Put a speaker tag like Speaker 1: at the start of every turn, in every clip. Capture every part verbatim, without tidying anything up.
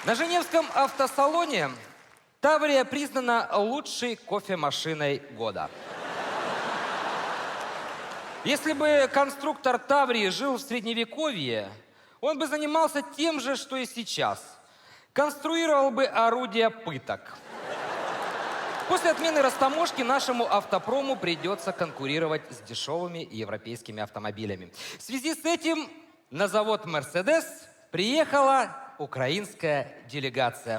Speaker 1: На Женевском автосалоне Таврия признана лучшей кофемашиной года. Если бы конструктор Таврии жил в Средневековье, он бы занимался тем же, что и сейчас. Конструировал бы орудия пыток. После отмены растаможки нашему автопрому придется конкурировать с дешевыми европейскими автомобилями. В связи с этим на завод «Мерседес» приехала украинская делегация.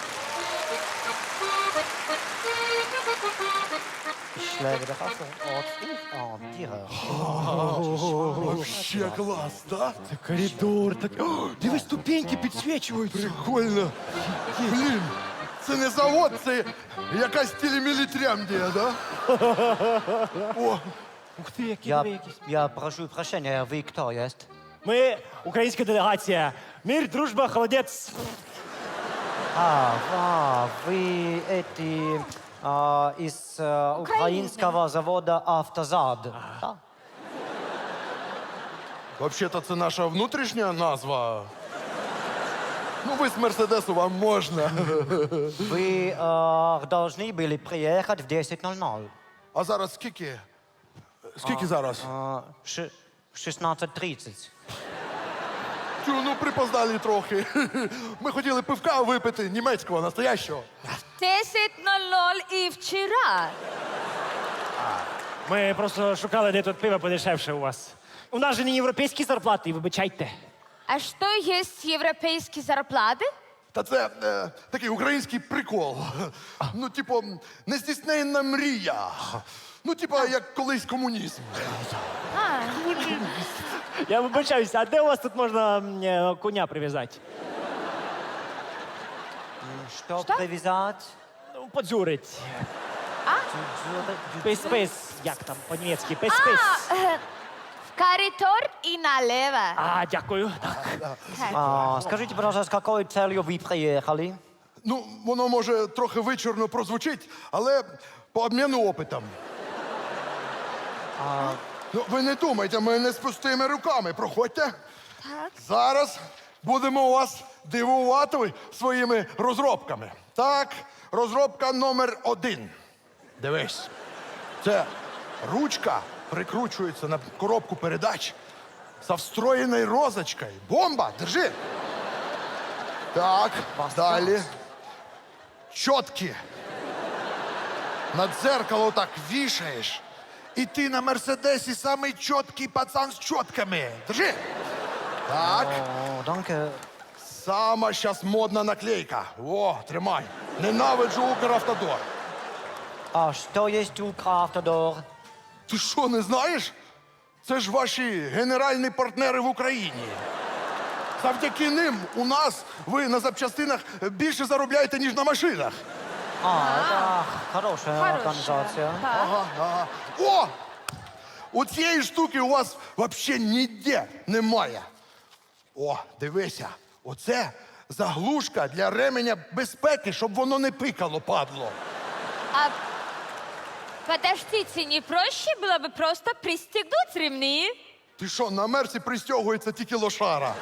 Speaker 2: Вообще класс, да?
Speaker 3: Це коридор. Так... О, дивись, ступеньки підсвічують.
Speaker 2: Прикольно. Блін, це не завод, це якась телемілітрямдія, да? О,
Speaker 3: Ух ти, які
Speaker 4: Я,
Speaker 3: диви якісь.
Speaker 4: я прошу прощения, вы кто есть?
Speaker 3: Ми українська делегація. Мир, дружба, холодець.
Speaker 4: А, а вы эти а, из а, украинского завода «Автозад». Да?
Speaker 2: взагалі-то це наша внутрішня назва. Ну, ви з Мерседесу, вам можна.
Speaker 4: Вы а, должны были приехать в десять ноль ноль.
Speaker 2: А зараз скільки? Скільки зараз?
Speaker 4: А, ш- шестнадцать тридцать.
Speaker 2: Тю, ну припоздали трохи. Ми хотіли пивка випити, німецького, настоящого.
Speaker 5: десять ноль ноль і вчора.
Speaker 3: Ми просто шукали, де тут пиво подешевше у вас. У нас же не європейські зарплати, вибачайте.
Speaker 5: А що є європейські зарплати?
Speaker 2: Та це е, такий український прикол. Ну, типу, нездійсненна мрія. Ну, типу, як колись комунізм.
Speaker 5: А,
Speaker 3: Я вибачаюся, а де у вас тут можна м, е, коня прив'язати?
Speaker 4: Что, привязать?
Speaker 3: Ну, подзюрить.
Speaker 4: Дзюры-
Speaker 3: Пис-пис. Як там по-німецьки? Пис-пис.
Speaker 5: е, в коридор і налево.
Speaker 3: А, дякую. Так.
Speaker 5: Так.
Speaker 4: А, скажите, пожалуйста, с какой целью вы приехали?
Speaker 2: Ну, воно може трохи вичурно прозвучить, але по обміну опитом. Ну, ви не думайте, ми не з пустими руками. Проходьте.
Speaker 5: Так.
Speaker 2: Зараз будемо вас дивувати своїми розробками. Так, розробка номер один. Дивись. Це ручка прикручується на коробку передач со встроєною розочкою. Бомба! Держи! Так, далі. Чотки. На дзеркало так вішаєш. І ти на Мерседесі самий чіткий пацан з чотками. Держи! Так.
Speaker 4: О, danke.
Speaker 2: Сама щас модна наклейка. О, тримай. Ненавиджу Укравтодор.
Speaker 4: А что есть Укравтодор?
Speaker 2: Ти що, не знаєш? Це ж ваші генеральні партнери в Україні. Завдяки ним у нас ви на запчастинах більше заробляєте, ніж на машинах.
Speaker 4: А, это хорошая
Speaker 5: Хорошая.
Speaker 4: организация.
Speaker 5: Так.
Speaker 2: Ага, ага. О! У цієї штуки у вас взагалі ніде немає. О, дивися, оце заглушка для ременя безпеки, щоб воно не пикало, падло.
Speaker 5: А подождите, не проще было бы просто пристегнуть ремни?
Speaker 2: Ти що, на мерці пристягується тільки лошара?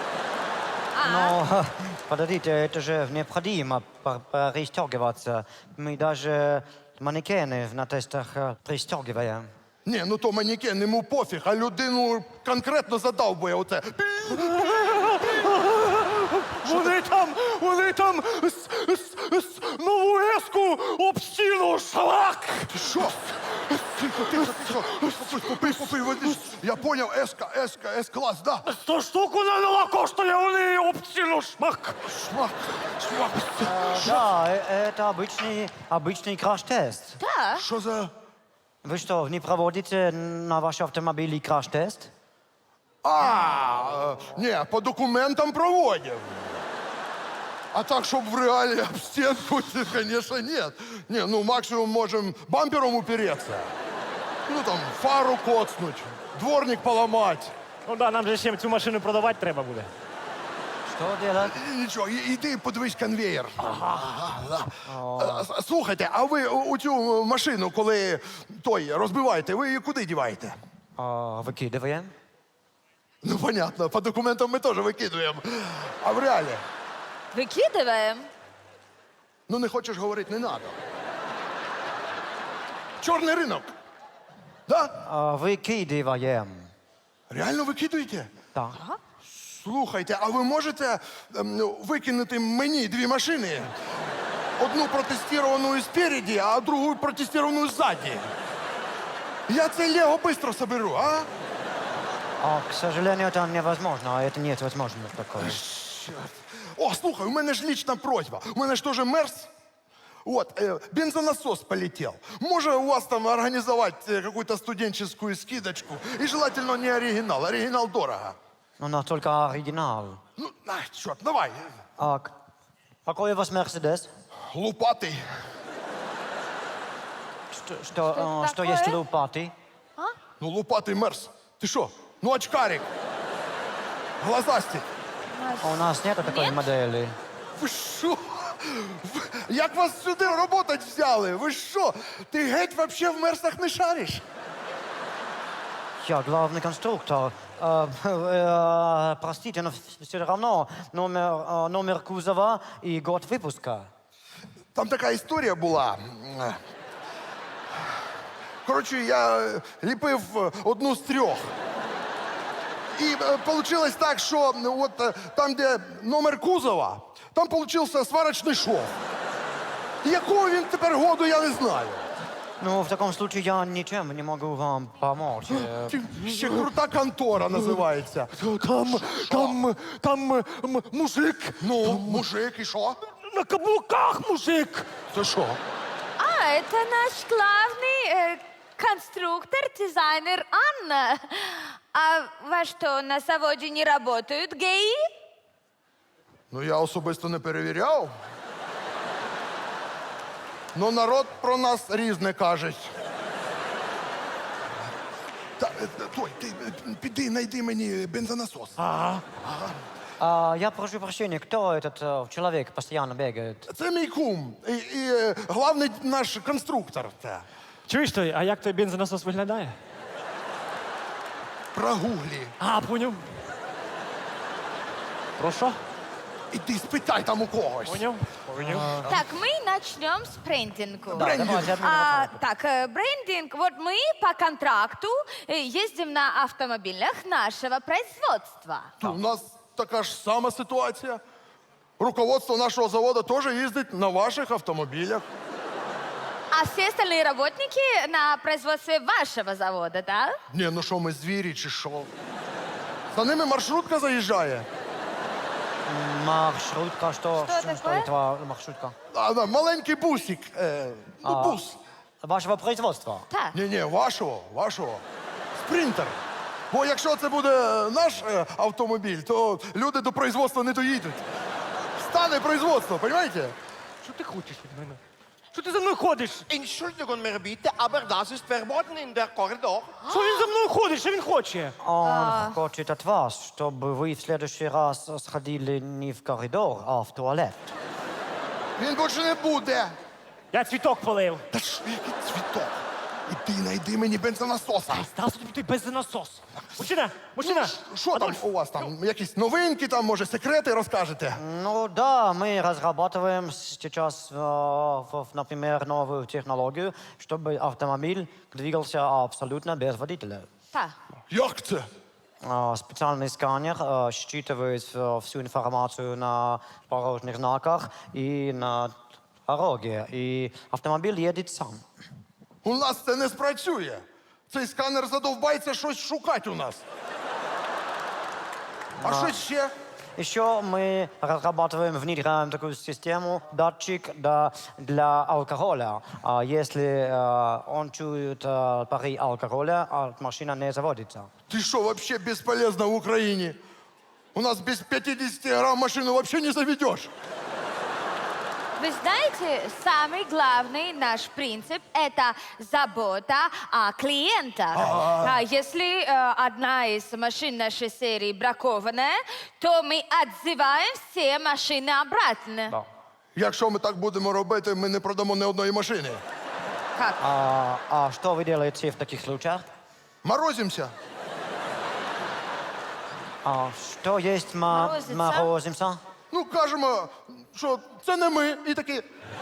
Speaker 4: Но, подождите, это же необходимо пр- пристегиваться. Мы даже манекены на тестах э, пристегиваем.
Speaker 2: Ні, ну то манекен, йому пофіг, а людину конкретно задовбує оце.
Speaker 3: Вони там, вони там с, с, с, нову еску об стіну, шалак!
Speaker 2: Ти що? Тихо, тихо, тихо. Попий, попий, попий, води. Я поняв, еска, еска, ес-клас, да.
Speaker 3: Сто штук вона нова коштує, вони об стіну, шмак!
Speaker 2: Шмак, шмак.
Speaker 4: Да, э, это обычный, обычный краш-тест.
Speaker 5: Да.
Speaker 2: Що за...
Speaker 4: Вы что, не проводите на ваш автомобиль краш-тест?
Speaker 2: А, е, ні, по документам проводив. А так, щоб в реалі об стінку, це, звісно, ні. Ні, ну максимум можемо бампером упереться. Ну там фару коцнуть, дворник поламати.
Speaker 3: Ну да, нам же ще цю машину продавати треба буде.
Speaker 4: Что делать?
Speaker 2: І Нічого, і- іди подивись конвеєр. Ага, да. Е, с- Слухайте, а ви у у цю машину, коли той розбиваєте, ви її куди діваєте?
Speaker 4: А, выкидываем.
Speaker 2: Ну, понятно, по документам ми теж викидуємо. А в реалі?
Speaker 5: Выкидываем.
Speaker 2: Ну не хочеш говорити, не надо. Чорний ринок. Да?
Speaker 4: А, Викидываем.
Speaker 2: Реально викидуєте?
Speaker 4: Так.
Speaker 2: Слухайте, а ви можете ем, ну, викинути мені дві машини? Одну протестовану спереді, а другу протестовану ззаді. Я це Лего швидко соберу, а?
Speaker 4: А, к сожалению, это невозможно. Это нет возможности такой.
Speaker 2: Чорт. О, слухай, у мене ж лічна просьба. У мене ж теж мерз. Вот, э, бензонасос полетел. Може у вас там организовать э, какую-то студенческую скидочку? И желательно не оригинал. Оригинал дорого.
Speaker 4: У нас только оригинал.
Speaker 2: Ну, на, черт, давай.
Speaker 4: А к- какой у вас Мерседес?
Speaker 2: Лупатый.
Speaker 4: Что, что,
Speaker 5: Что
Speaker 4: э, что
Speaker 5: такое?
Speaker 4: есть лопаты?
Speaker 2: Ну, лупатый мерз. Ты что? Ну, очкарик. Глазастик.
Speaker 4: А у нас нет такой
Speaker 5: Нет?
Speaker 4: модели.
Speaker 2: Ви що? Ви- Як вас сюди работать взяли? Ви що? Ти геть вообще в мерсах не шариш?
Speaker 4: Я главный конструктор. Э, э, простите, но все равно номер, э, номер кузова и год выпуска.
Speaker 2: Там така історія була. Коротше, я е, ліпив е, одну з трьох. І вийшло так, що ну, от е, там, де номер кузова, там получився сварочний шов. Якого він тепер году, я не знаю.
Speaker 4: Ну, в таком случае я ничем не могу вам помочь. Э,
Speaker 2: Чи- Ще крута контора називається.
Speaker 3: Там, там, там м- мужик.
Speaker 2: Ну, мужик, і що?
Speaker 3: На каблуках мужик.
Speaker 2: Це що?
Speaker 5: А, это наш главный э, конструктор, дизайнер Анна. А во что, на заводе не работают геи?
Speaker 2: Ну, я особисто не перевіряв. Ну, народ про нас різне каже. Та, е, той, ти е, піди, знайди мені бензонасос.
Speaker 3: А,
Speaker 4: а, я прошу прощения, кто этот э, человек постоянно бегает?
Speaker 2: Це мій кум. І, і е, главний наш конструктор. Та.
Speaker 3: чуєш той, а як той бензонасос виглядає?
Speaker 2: Прогуглі.
Speaker 3: А, поняв. Про що?
Speaker 2: Іди спитай там у когось.
Speaker 3: Поняв? Поняв.
Speaker 5: Так, мы начнем с брендинга.
Speaker 4: Да, давайте одну
Speaker 5: А,
Speaker 4: минуту.
Speaker 5: так, э, брендинг. Вот мы по контракту э, ездим на автомобилях нашего производства.
Speaker 2: У нас така ж сама ситуація. Руководство нашого заводу теж їздить на ваших автомобілях.
Speaker 5: А все остальные работники на производстве вашего завода, да?
Speaker 2: Ні, ну що, ми звірі чи що? За ними маршрутка заїжджає.
Speaker 4: Маршрутка, что,
Speaker 5: Что
Speaker 4: что,
Speaker 5: такое?
Speaker 4: это маршрутка?
Speaker 2: А, да, маленький бусик. Е, ну,
Speaker 4: А.
Speaker 2: бус.
Speaker 4: Вашего производства?
Speaker 5: Так.
Speaker 2: Ні-ні, вашого, вашого. Спринтер. Бо якщо це буде наш е, автомобіль, то люди до производства не доїдуть. Стане производство, розумієте?
Speaker 3: Що ти хочеш від мене? Що ти за мною ходиш?
Speaker 6: Entschuldigung, mir bitte, aber das ist verboten in der Korridor.
Speaker 3: Що він за мною ходить? Що він хоче?
Speaker 4: Он хочет от вас, чтобы вы в следующий раз сходили не в коридор, а в туалет.
Speaker 2: Він більше не буде.
Speaker 3: Я цвіток полив.
Speaker 2: Та що, який цвіток? Іди, знайди мені бензонасоса.
Speaker 3: Став собі ти бензонасос. Мужчина, мужчина.
Speaker 2: Що там у вас там? Якісь новинки, там, може, секрети розкажете?
Speaker 4: Ну да, мы разрабатываем сейчас, э, в- например, новую технологию, чтобы автомобиль двигался абсолютно без водителя.
Speaker 5: Так.
Speaker 2: Як це?
Speaker 4: А, Специальный сканер э, считывает э, всю информацию на дорожных знаках и на дороге, и автомобиль едет сам.
Speaker 2: У нас це не спрацює. Цей сканер задовбається щось шукати у нас. А що ще?
Speaker 4: Еще мы разрабатываем, внедряем такую систему, датчик да, для алкоголя. А если э, он чует э, пары алкоголя, а машина не заводится.
Speaker 2: Ти що, вообще безполезна в Україні? У нас без пятидесяти грамм машину вообще не заведешь.
Speaker 5: Вы знаете, самый главный наш принцип – это забота о клиентах. А если э, одна из машин нашей серии бракованная, то мы отзываем все машины обратно.
Speaker 4: Да.
Speaker 2: Якщо ми так будемо робити, ми не продамо ні одної машини.
Speaker 5: Как?
Speaker 4: А, а что вы делаете в таких случаях?
Speaker 2: Морозимося.
Speaker 4: А что есть ма-
Speaker 5: Морозится?
Speaker 4: морозимся?
Speaker 2: Ну, кажемо, що це не ми. І такі.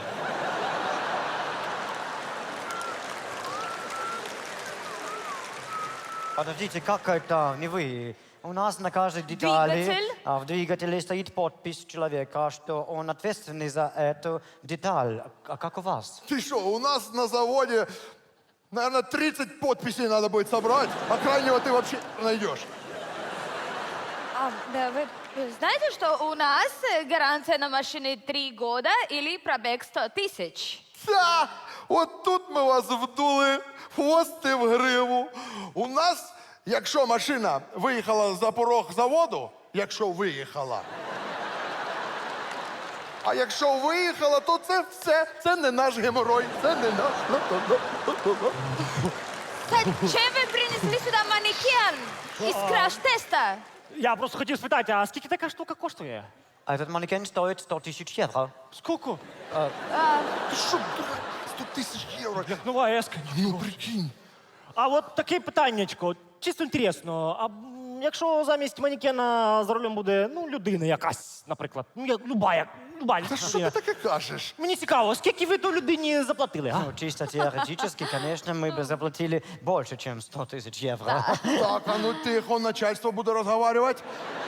Speaker 4: Подождите, как это не вы? У нас на каждой детали
Speaker 5: Двигатель?
Speaker 4: а, в двигателе стоит подпись человека, что он ответственный за эту деталь. А как у вас?
Speaker 2: Ти що, у нас на заводі, наверное, тридцать подписей надо будет собрать, а крайнего ты вообще не найдешь.
Speaker 5: А, да, вы вы знаете, что у нас э, гарантия на машине три года или пробег сто тысяч?
Speaker 2: Та, от тут ми вас вдули, хвости в гриву. У нас, якщо машина виїхала за порог заводу, якщо виїхала. А якщо виїхала, то це все, це не наш геморой, це не наш.
Speaker 5: Зачем вы принесли сюда манекен из краш-теста?
Speaker 3: Я просто хотів спитати, а скільки така штука коштує?
Speaker 4: Этот манекен стоит сто тысяч евро.
Speaker 3: Скільки?
Speaker 2: Ти що, сто тисяч євро?
Speaker 3: Як нова еска.
Speaker 2: Ну, прикинь.
Speaker 3: А от таке питаннячко, чисто інтересно. А м, якщо замість манекена за рулем буде ну, людина якась, наприклад, ну, я, люба, як, люба
Speaker 2: Та що
Speaker 3: людина.
Speaker 2: ти таке кажеш?
Speaker 3: Мені цікаво, скільки ви ту людині заплатили, а?
Speaker 4: Ну, чисто теоретически, конечно, мы бы заплатили больше, чем сто тысяч евро.
Speaker 2: Так, а ну тихо, начальство буде розговаривати.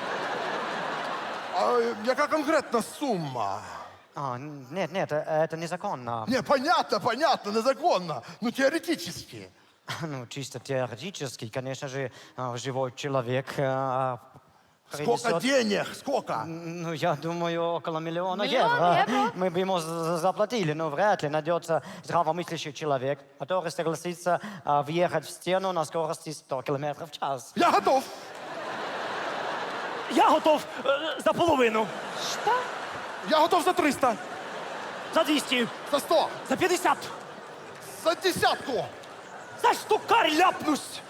Speaker 2: А яка конкретна сума?
Speaker 4: А, нет, нет, э, это незаконно.
Speaker 2: Не, понятно, понятно, незаконно. Ну, теоретически.
Speaker 4: Ну, чисто теоретически, конечно же, а, живой человек а,
Speaker 2: Сколько
Speaker 4: принесет-
Speaker 2: денег? Сколько?
Speaker 4: Ну, я думаю, около миллиона
Speaker 5: Миллион
Speaker 4: евро.
Speaker 5: евро?
Speaker 4: Мы бы ему за- заплатили, но вряд ли найдется здравомыслящий человек, который согласится а, въехать в стену на скорости сто километров в час.
Speaker 2: Я готов.
Speaker 3: Я готов е, за половину,
Speaker 5: Что?
Speaker 2: Я готов за триста,
Speaker 3: за двісті,
Speaker 2: за сто,
Speaker 3: за п'ятдесят,
Speaker 2: за десятку.
Speaker 3: за штукар ляпнусь.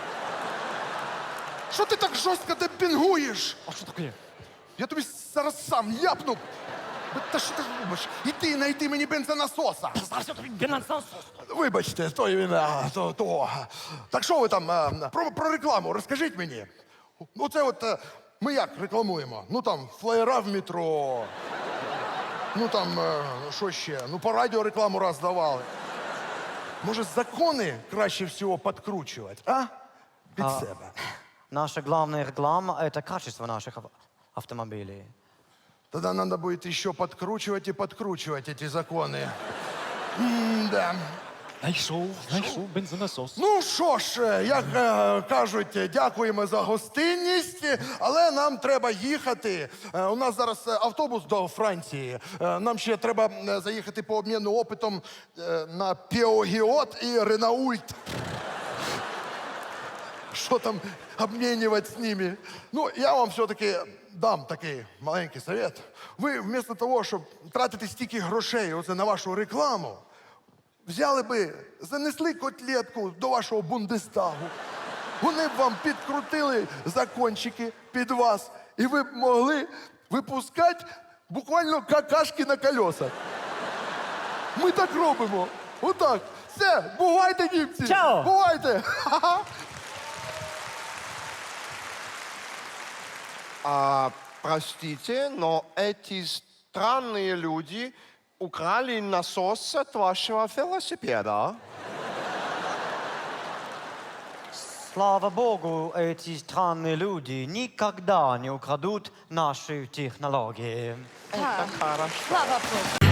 Speaker 2: Що ти так жорстко демпінгуєш?
Speaker 3: А що таке?
Speaker 2: Я тобі зараз сам ляпну. Та що ти робиш? Іди, знайди мені бензонасоса.
Speaker 3: Зараз я тобі бенансанс.
Speaker 2: Вибачте, то він, а, то, то. Так що ви там, а, про, про рекламу розкажіть мені. Ну це от, е, ми як рекламуємо? Ну там, флеєра в метро. Ну там, е, що ще? Ну по радіо рекламу раз давали. Може, закони краще всього підкручувати, а? Під себе.
Speaker 4: Наша главная реклама – это качество наших ав- автомобилей.
Speaker 2: Тогда надо будет еще подкручивать и подкручивать эти законы. М-да.
Speaker 3: Знайшов, знайшов бензонасос.
Speaker 2: Ну що ж, е, як е, кажуть, е, дякуємо за гостинність, але нам треба їхати. Е, У нас зараз е, автобус до Франції. Е, Нам ще треба е, заїхати по обміну опитом е, на Пеогіот і Ренаульт. Що там обмінювати з ними? Ну, я вам все-таки дам такий маленький совет. Ви вместо того, щоб тратити стільки грошей оце на вашу рекламу, взяли би, занесли котлетку до вашого Бундестагу. Вони б вам підкрутили закончики під вас, і ви б могли випускати буквально какашки на колесах. Ми так робимо. Отак. Все, бувайте, німці!
Speaker 3: Чао!
Speaker 2: Бувайте! Ха-ха.
Speaker 6: А, простите, но эти странные люди украли насос от вашего велосипеда.
Speaker 4: Слава богу, эти странные люди никогда не украдут наши технологии.
Speaker 5: Да.
Speaker 6: Хорошо.
Speaker 5: Слава Богу.